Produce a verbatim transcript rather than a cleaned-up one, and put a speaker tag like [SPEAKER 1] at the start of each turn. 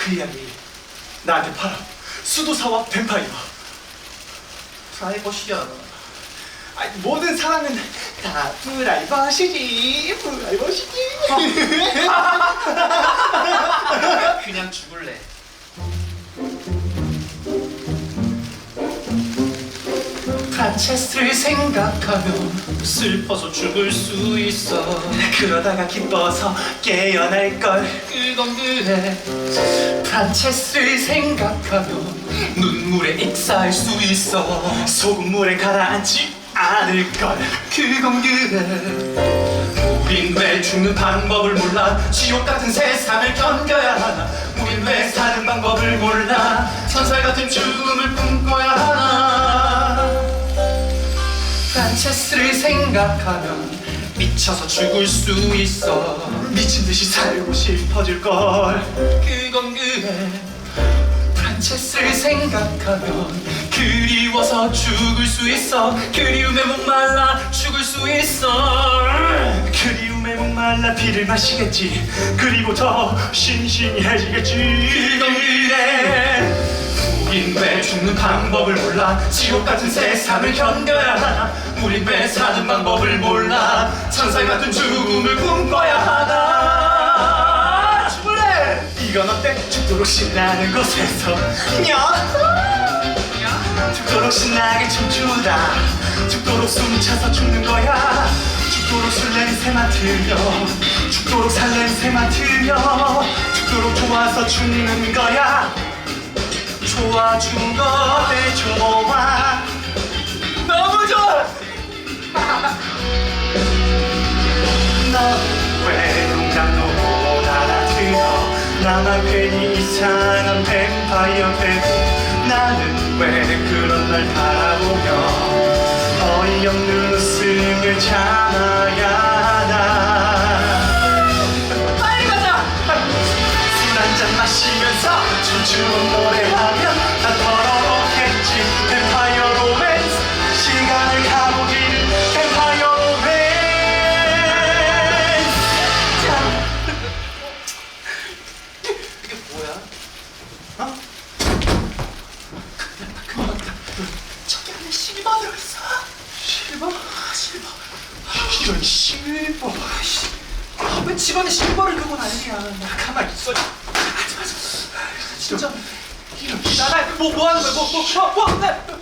[SPEAKER 1] 그 이야기 나한테 팔아. 수도사와 뱀파이어.
[SPEAKER 2] 프라이버시야.
[SPEAKER 1] 아니, 모든 사랑은 다 프라이버시지. 프라이버시지.
[SPEAKER 2] 그냥 죽을래.
[SPEAKER 1] 프란체스를 생각하면
[SPEAKER 2] 슬퍼서 죽을 수 있어.
[SPEAKER 1] 그러다가 기뻐서 깨어날걸.
[SPEAKER 2] 그건 그래.
[SPEAKER 1] 프란체스를 생각하면
[SPEAKER 2] 눈물에 익사할 수 있어.
[SPEAKER 1] 소금물에 가라앉지 않을걸.
[SPEAKER 2] 그건 그래. 우린 왜 죽는 방법을 몰라. 지옥 같은 세상을 견뎌야 하나. 우린 왜 사는 방법을 몰라. 천사 같은 죽음을 꿈꿔야 하나.
[SPEAKER 1] 프란체스를 생각하면
[SPEAKER 2] 미쳐서 죽을 수 있어.
[SPEAKER 1] 미친듯이 살고 싶어질걸.
[SPEAKER 2] 그건 그래.
[SPEAKER 1] 프란체스를 생각하면
[SPEAKER 2] 그리워서 죽을 수 있어. 그리움에 목말라 죽을 수 있어.
[SPEAKER 1] 그리움에 목말라 피를 마시겠지. 그리고 더 신신해지겠지.
[SPEAKER 2] 그건 그래. 우린 왜 죽는 방법을 몰라. 지옥 같은 세상을 견뎌야 하나. 우린 왜 사는 방법을 몰라. 천사 같은 죽음을 꿈꿔야 하나. 죽을래.
[SPEAKER 1] 이건 어때? 죽도록 신나는 곳에서 냐? 죽도록 신나게 춤추다. 죽도록 숨차서 죽는 거야. 죽도록 술 냄새 맡으며 죽도록 살 냄새 맡으며 죽도록 좋아서 죽는 거야. 좋아 죽어 내 좋아.
[SPEAKER 2] 너무 좋아.
[SPEAKER 1] 너 왜 농담도 못 알아들어. 나만 괜히 이상한 뱀파이어 되고. 나는 왜 그런 날 바라보며 어이없는 웃음을 참아야 하나.
[SPEAKER 2] 빨리 가자.
[SPEAKER 1] 술 한잔 마시면서 춤추는 노래하면 다 더러웠겠지. 뱀파이어 로맨스 시간을 가보기를. 뱀파이어 로맨스.
[SPEAKER 2] 이게 뭐야?
[SPEAKER 1] 어?
[SPEAKER 2] 저기 안에 실버 들어있어.
[SPEAKER 1] 실버? 실버. 이런 실버.
[SPEAKER 2] 아, 왜 집안에 실버를 두고 난리야.
[SPEAKER 1] 가만히 있어.
[SPEAKER 2] 하지 마. 진짜.
[SPEAKER 1] 이런
[SPEAKER 2] 나나 뭐, 뭐 하는 거야? 뭐, 뭐, 뭐, 뭐, 나.